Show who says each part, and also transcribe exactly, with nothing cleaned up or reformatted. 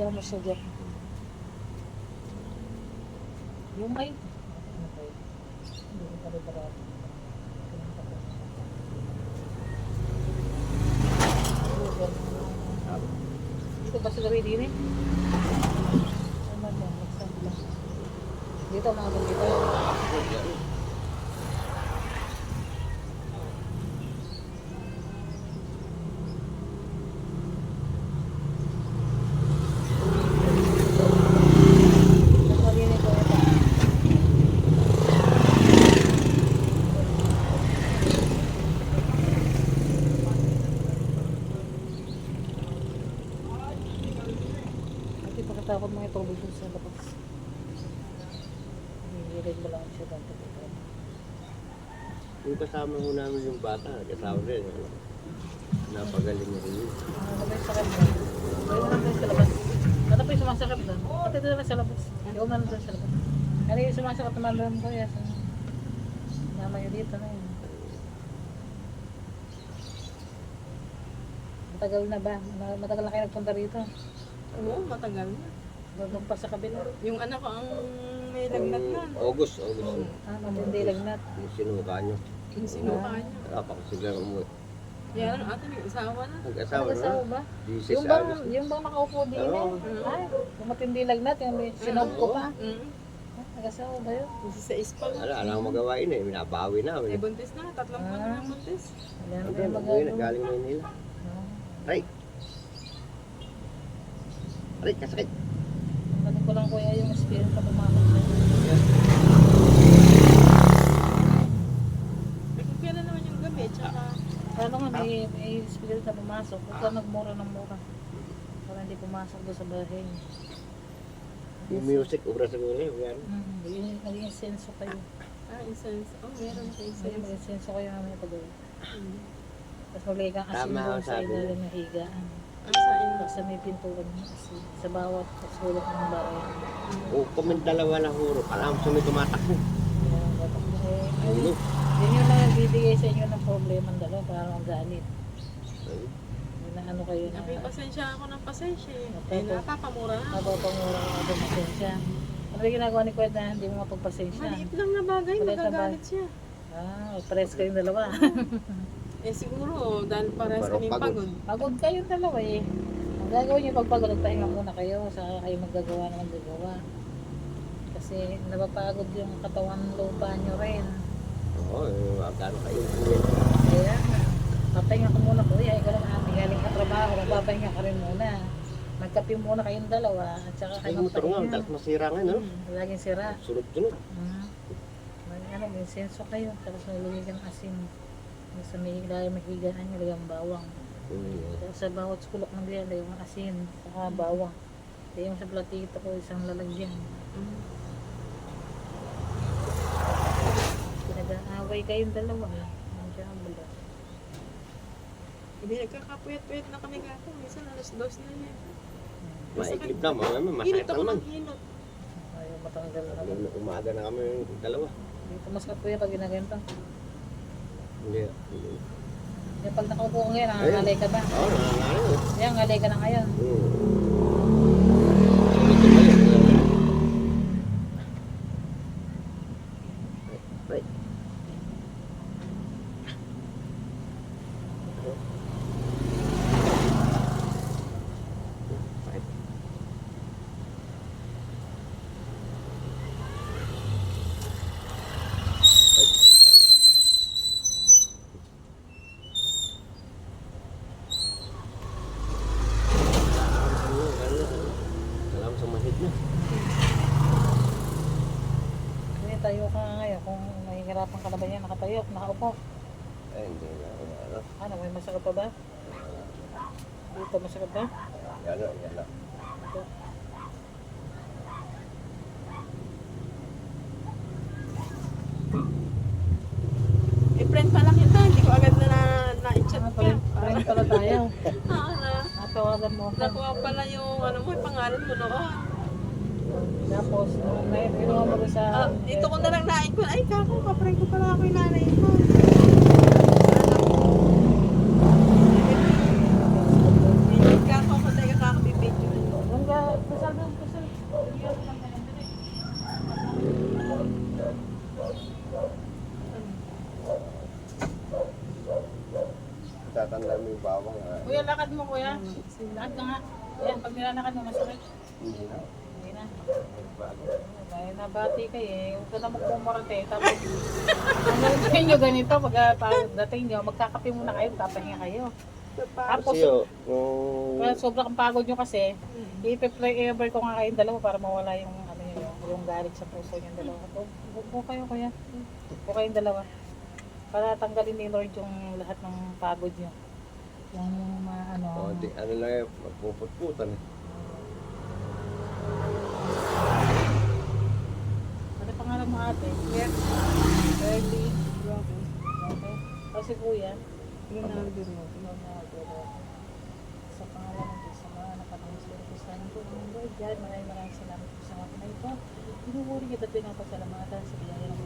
Speaker 1: Diyan mo siya dyan. Yung may... Hindi ko pala barado. Dito ba sila din eh? Ano ba? Magsama. Dito mga dito. Takot mga tubig dun sa labas. Hinihilig mo lang siya dito.
Speaker 2: Yung kasama mo namin yung bata, kasama rin. Ano? Napagaling mo rin yun.
Speaker 1: Ah, ano ba yung sakit doon? Ayaw mo lang doon sa labas. Ano pa yung sumasakit doon? Pati doon lang sa labas. Ayaw mo lang doon sa labas. Ano yung sumasakit naman doon ko? Yes. Nama yun dito na yun. Matagal na ba? Matagal na kayo nagpunta rito?
Speaker 3: Oo, matagal na.
Speaker 1: Doon pa sa kabila.
Speaker 3: Yung anak ko ang may lagnat na.
Speaker 2: August, August.
Speaker 1: Ah, matindi lagnat.
Speaker 2: Yung sinuka nyo.
Speaker 3: Yung sinuka niya.
Speaker 2: Wala pa kasi lang umuwi.
Speaker 3: Yan, ate, may asawa na.
Speaker 2: Nag-asawa
Speaker 1: Nag-asawa
Speaker 2: na.
Speaker 1: ba?
Speaker 2: Jesus
Speaker 1: Yung bang,
Speaker 2: August.
Speaker 1: yung bang nakaupo din eh.
Speaker 2: Oo.
Speaker 1: Ay, yung matindi lagnat, yung may sinog ko pa.
Speaker 3: Mm.
Speaker 1: Ah, nag-asawa ba yun?
Speaker 3: Kasi sa ispa.
Speaker 2: Wala, wala akong magawain eh. Minabawi
Speaker 3: May
Speaker 2: namin.
Speaker 3: buntis na. Tatlong buwan na ng buntis.
Speaker 1: Wala na
Speaker 2: Hindi,
Speaker 1: yung
Speaker 2: nag-uwi na.
Speaker 1: magagawa.
Speaker 2: Galing Maynila.
Speaker 1: Ah.
Speaker 2: Aray! Aray, kasakit.
Speaker 1: Ano ko lang kuya yung spirit na pumasok sa'yo.
Speaker 3: May kung kailan naman yung gabi. Tsaka,
Speaker 1: Ano nga, may, may spirit na pumasok. Huwag ka nagmura ng mura. Para hindi pumasok doon sa bahay.
Speaker 2: Yung music, obra sa gulay. Yan.
Speaker 1: Hmm, maging, maging senso kayo.
Speaker 3: ah, incense. Oh, meron sa
Speaker 1: Maging,
Speaker 3: incense.
Speaker 1: maging senso kayo namin pag
Speaker 3: Mm.
Speaker 1: Tapos magiging kang asin
Speaker 2: Tama
Speaker 1: doon
Speaker 2: ang
Speaker 1: sa
Speaker 2: sabi mo.
Speaker 1: ilalim ng higaan.
Speaker 3: Ang sa inyo.
Speaker 1: Tapos sa may pintuan ng asin. Sa bawat sulok ng bahay.
Speaker 2: O, kung may dalawa na huro, alam sa may tumatakbo.
Speaker 1: Kaya dapat mo eh. Ay,
Speaker 2: Ulo.
Speaker 1: yun yung nagbibigay sa inyo ng problema ng dalawa para magalit.
Speaker 2: Ay,
Speaker 1: Yun na ano kayo na.
Speaker 3: May pasensya ako ng pasensya eh.
Speaker 1: Opo.
Speaker 3: Eh, napapamura na ako.
Speaker 1: Napapangura ka doon pasensya. Ano yung ginagawa ni Kuya na hindi mo mapagpasensya?
Speaker 3: Maliit lang na bagay,
Speaker 1: Maliit na
Speaker 3: magagalit siya.
Speaker 1: Ah, pares kayong dalawa.
Speaker 3: Eh siguro, dahil parehas
Speaker 2: Parang
Speaker 3: kaming
Speaker 2: pagod.
Speaker 3: pagod.
Speaker 1: Pagod kayong dalawa eh. Ang gagawin niyo pag pagod, nagpahinga muna kayo. Saka kayo maggagawa ng maggagawa. Kasi napapagod yung katawan lupa niyo rin.
Speaker 2: oo, eh, magkano kayo.
Speaker 1: Kaya, papahinga ka muna kuya. Ikaw naman ate, galing ka trabaho, magpapahinga ka rin muna. Magkape muna kayong dalawa. At saka
Speaker 2: Ay,
Speaker 1: kayo
Speaker 2: motor nga,
Speaker 1: magpahinga.
Speaker 2: tapos masira nga, no?
Speaker 1: Hmm, laging sira.
Speaker 2: Sunod-sunod.
Speaker 1: Hmm. May ano, may senso kayo. Tapos nalagay ka ng asin. Sa may ilalim ng higaan niyo, lagyan ng bawang.
Speaker 2: Mm.
Speaker 1: Tapos sa bawat sulok ng diyan, lagyan ng asin. Saka bawang. Kaya yung sa platito ko, isang lalagyan.
Speaker 3: Mm.
Speaker 1: Pinag-aaway kayong dalawa. Nandiyan ang bulat.
Speaker 3: Hindi, nagkakapuyat-puyat na kami gato. Minsan alas dos na yan.
Speaker 2: Maiklip na, mga naman, masakit
Speaker 3: Hinot
Speaker 2: na
Speaker 3: ako
Speaker 2: naman.
Speaker 3: ng hinot.
Speaker 1: Ayaw matanggal na naman.
Speaker 2: Nung umaga na kami yung dalawa.
Speaker 1: Dito mas kuya pag ginaganto.
Speaker 2: Hindi. hindi.
Speaker 1: Kaya pag nakaupo ka ngayon, nangangalay ka ba?
Speaker 2: Oo, nangangalan.
Speaker 1: Kaya ngalay ka na ngayon.
Speaker 2: Hmm. Ito ba yun? Right. Right. Salamat sa mahit na.
Speaker 1: Kaya tayo ka nga ngayon. Kung mahihirapan ka na ba yan, nakatayo, nakaupo.
Speaker 2: Ay, hindi na. Ano?
Speaker 1: Ano, may masakit pa ba? Dito masakit ba?
Speaker 2: Yan na, yan na.
Speaker 1: Ito.
Speaker 3: Eh, friend pala kita. Hindi ko agad na na-chat
Speaker 1: Ah,
Speaker 3: ka.
Speaker 1: friend, friend pala tayo.
Speaker 3: Oo na.
Speaker 1: Natawagan mo ako.
Speaker 3: Nakuha pala yung ano mo, yung pangalan mo noon.
Speaker 1: Tapos, nung nainuha mo rin sa...
Speaker 3: Ah, dito ko na lang nain ko. Ay, kako, kapray ko pala ako yung nanay ko. Hindi kako ako tayo kakabibidyo.
Speaker 1: Nung ga-
Speaker 2: tatanda mo yung bawang. ah.
Speaker 1: Kuya, lakad mo kuya. Lakad ka nga. Ayan, pag nilalakad mo, masakit.
Speaker 2: Hindi na.
Speaker 1: Hindi na.
Speaker 2: Bago.
Speaker 1: Dahil nabati kayo eh. Huwag ka na magpumurate. Tapos, ang gagawin nyo ganito, pag uh, pagdating nyo, magkakape muna kayo, papahinga kayo. Tapos,
Speaker 2: Kasi oh, nung...
Speaker 1: kaya sobrang pagod nyo kasi, i-pray ever ko nga kayong dalawa para mawala yung ano yun, yung, yung galit sa puso yung dalawa. Huwag po kayo kuya. Huwag po kayong dalawa. Para tanggalin ni Lord yung lahat ng pagod nyo. Yung mga ano.
Speaker 2: Oh, di, ano lang eh, magpuputputan eh.
Speaker 1: Ano pangalan mo ate?
Speaker 3: Yeah.
Speaker 1: Early.
Speaker 3: Grabe.
Speaker 1: Okay. Kasi kuya,
Speaker 3: Yun na din mo.
Speaker 1: sa pangalan ng Diyos, sa mga nakatangos ko rin sa amin po, ang Lord God, maraming maraming salamat po sa mga pinay po. Pinupuri kita at pinapasalamatan sa biyaya ng